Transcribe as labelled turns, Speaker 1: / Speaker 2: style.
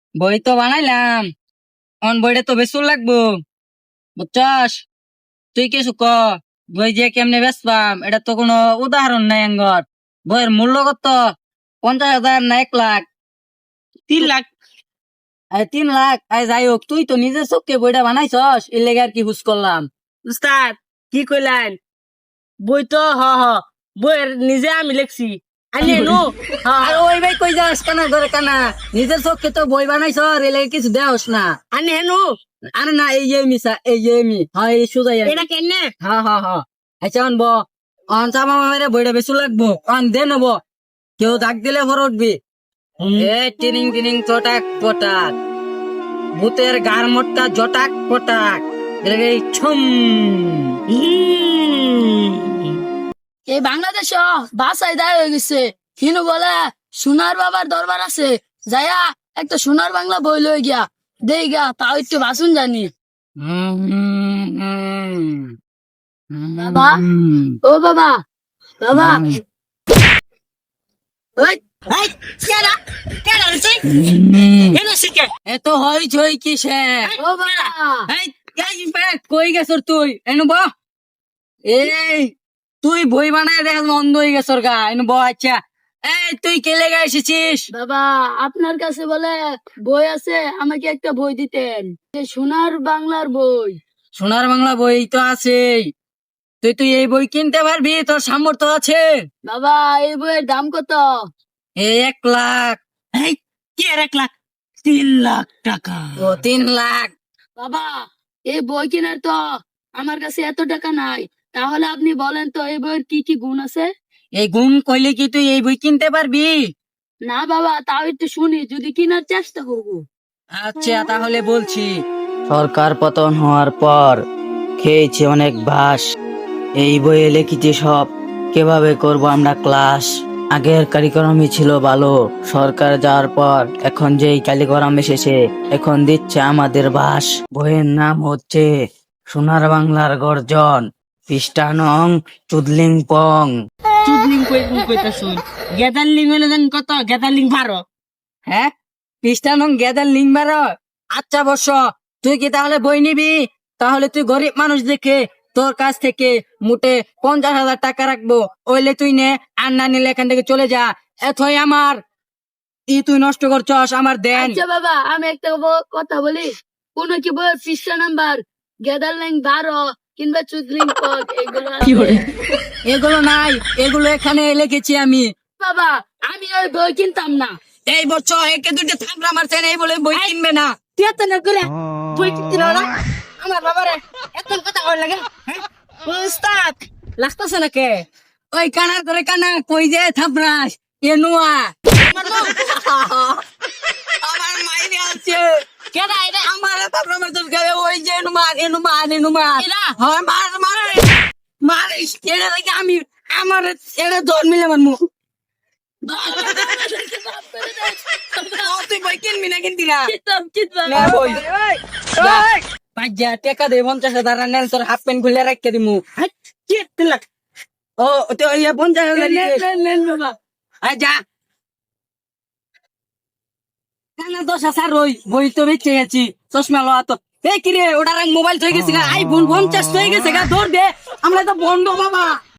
Speaker 1: বই তো বানাইলাম, অন বইটা তো বেসুর লাগবো, বুঝছস? তুই কিছু ক। বই যে কেমনে বেচবাম এটা তো কোনো উদাহরণ নাই আঙ্গর। বইয়ের মূল্য কত? 50,000 না 1 লাখ?
Speaker 2: 3 লাখ।
Speaker 1: 3 লাখ? যাই হোক, তুই তো নিজের চোখকে বইটা বানাইছস, এর লেগে আর কি হুস করলাম।
Speaker 2: উস্তাদ কি কইলেন? বই তো বইয়ের নিজে আমি লিখছি। আনি নো।
Speaker 1: আর ওই ভাই কই যাস কানা ধরে কানা? নিজের চোখকে তো বই বানাইছ, এর লেগে কিছু দেওস না।
Speaker 2: আনি হেনো।
Speaker 1: আরে না, এই যে মিসা, এই যে মি, হ্যাঁ এই সুজাই।
Speaker 2: এটা কেনে?
Speaker 1: হ্যাঁ হ্যাঁ হ্যাঁ। আচ্ছা অন অন চামা মামেরে বইটা বেশি লাগবো, অন দে নেব। কেউ ডাক দিলে ভর উঠবি। এ টিনিং টিনিং চটাক পটাক, ভূতের গার মোটকা জটাক পটাক, এলাকায় ছুম।
Speaker 3: এই বাংলাদেশ বাসায় দায় হয়ে গেছে। কিনু বলে সোনার বাবার দরবার আছে, যাইয়া একটা সোনার বাংলা বই লই গিয়া দেই গা, তাও একটু বাসুন জানি। বাবা, ও বাবা, বাবা, ওই,
Speaker 2: এই কেডা? কেডা তুই? হেনো শিখে।
Speaker 1: এত হই চই কিসে?
Speaker 3: ও বাবা,
Speaker 1: এই, কই গেছর তুই? এনু ব। এই তুই বই বানায় দেখ অন্ধ হয়ে গেছর গা, এনু ব। আচ্ছা, এই তুই কেলে গা এসেছিস?
Speaker 3: বাবা, আপনার কাছে বলে বই আছে, আমাকে একটা বই দিতেন, যে সোনার বাংলার বই।
Speaker 1: সোনার বাংলা বই তো আছেই। তুই এই বই কিনতে পারবি? তোর সামর্থ্য আছে?
Speaker 3: বাবা, এই বইয়ের দাম কত?
Speaker 1: এই 1 লাখ।
Speaker 2: এই কি আর 1 লাখ? 3 লাখ টাকা।
Speaker 1: ও 3 লাখ?
Speaker 3: বাবা, এই বই কেনার তো আমার কাছে এত টাকা নাই। তাহলে আপনি বলেন তো এই বইয়ের কি কি গুণ আছে?
Speaker 1: এই গুম কইলে কি তুই এই বই কিনতে পারবি?
Speaker 3: না বাবা, তাও একটু শুনি, যদি কেনার চেষ্টা করবো।
Speaker 1: আচ্ছা তাহলে বলছি। সরকার পতন হওয়ার পর খেয়েছি অনেক বাস। এই বইয়ে লিখেছি সব কিভাবে করব আমরা ক্লাস। আগের কারিক্রমই ছিল ভালো, সরকার যাওয়ার পর এখন যেই কারিক্রম এসেছে এখন দিচ্ছে আমাদের বাস। বইয়ের নাম হচ্ছে সোনার বাংলার গর্জন, পৃষ্ঠা নং চুদলিং পং।
Speaker 2: চুদলিং কইতা শুন। গেদারলিং হলে দেন কত? গেদারলিং 12।
Speaker 1: হ্যাঁ, পৃষ্ঠা নং গেদার লিং বারো? আচ্ছা বর্ষ, তুই কি তাহলে বই নিবি? তাহলে তুই গরিব মানুষ দেখে তোর কাছ থেকে মোটে 50,000 টাকা রাখবো, ওইলে তুই নে, আর না নিলে এখান থেকে চলে যা। এতই আমার তুই নষ্ট করছস আমার দেন।
Speaker 3: আচ্ছা বাবা, আমি একটা কথা বলি, কোন কি বইয়ের পৃষ্ঠা নাম্বার গেদারলিং 12 কিংবা চুদলিং পদ এগুলো আছে?
Speaker 1: এগুলো নাই, এগুলো এখানে লিখেছি আমি।
Speaker 3: বাবা, আমি ওই বই কিনতাম না।
Speaker 1: এই বছর একে দুইটা থামড়া মারছেন, এই বলে বই কিনবে না।
Speaker 2: তুই এত না করে বই কিনতে না না? আমার বাবারে এত কথা কই লাগে? হ্যাঁ? উস্তাদ লাগতাছে না কে?
Speaker 1: ওই কানার করে কানা কই যে থাপড়াস এ নুয়া। আমার মাইরে আছে।
Speaker 2: কেডা এটা?
Speaker 1: আমার থাপড়া মারছস গায়ে, ওই যে এনুমা।
Speaker 2: এরা?
Speaker 1: হয় মার এটা দেখে আমি আমার এটা দর মিলে মারমু। তুই বই কিনবি না কিনবি না? না বই। পাঁচ টাকা দে, 50,000 নেন, তোর হাফ প্যান্ট খুলে রাখতে দিমু।
Speaker 2: হ্যাঁ, কি 3 লাখ?
Speaker 1: ও তো ইয়া 50,000
Speaker 3: নেন বাবা।
Speaker 1: যা। না 10,000 রই, বই তো বেঁচে গেছি। চশমা লওয়া তো এই কিরে, ওটার মোবাইল থয়ে গেছে গা, আইফোন 50 হয়ে গেছে গা, ধর দে। আমরা তো বন্ধ বাবা।